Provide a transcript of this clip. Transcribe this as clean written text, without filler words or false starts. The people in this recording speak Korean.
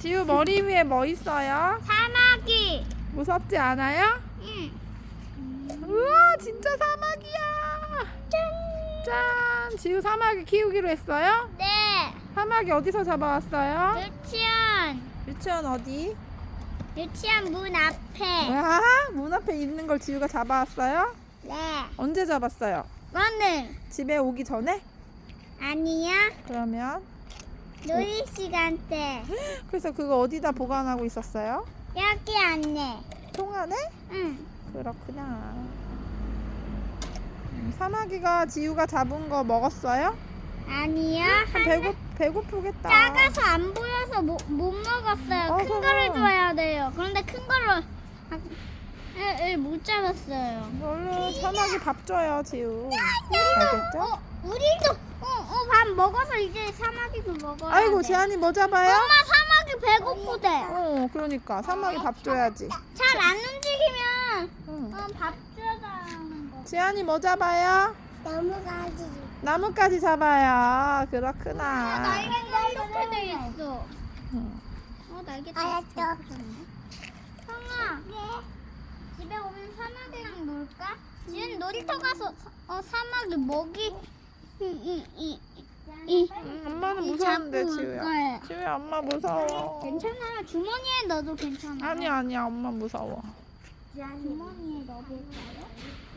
지우 머리 위에 뭐 있어요? 사마귀. 무섭지 않아요? 응. 우와 진짜 사마귀야. 짠. 지우 사마귀 키우기로 했어요? 네. 사마귀 어디서 잡아왔어요? 유치원. 유치원 어디? 유치원 문 앞에. 와, 문 앞에 있는 걸 지우가 잡아왔어요? 네. 언제 잡았어요? 오늘. 집에 오기 전에? 아니야. 그러면 놀이 시간 때. 그래서 그거 어디다 보관하고 있었어요? 여기 안내. 통 안에? 응. 그렇구나. 사마귀가 지우가 잡은 거 먹었어요? 아니야. 배고프겠다. 작아서 안 보여서 못 먹었어요. 큰 그럼. 거를 줘야 돼요. 그런데 큰 거를 못 잡았어요. 얼른 사마귀 밥 줘요, 지우. 알겠죠? 우리도 밥 먹어서 이제 사마귀도 먹어야 아이고, 돼. 재한이 뭐 잡아요? 엄마 사마귀 배고프대. 그러니까 사마귀 밥 줘야지. 잘 안 움직이면 응. 밥 줘야 하는 거. 재한이 뭐 잡아요? 나무가지. 나뭇가지 잡아요. 그렇구나. 날개가 이렇게 돼 있어. 응. 날개 다 형아. 네. 집에 오면 사마귀랑 놀까? 지금 놀이터 가서 사마귀 먹이 엄마는 무서운데, 잡고 올 지우야. 거예요. 지우야, 엄마 무서워. 괜찮아요. 주머니에 넣어도 괜찮아요. 아니야, 엄마 무서워. 주머니에 넣어볼까요?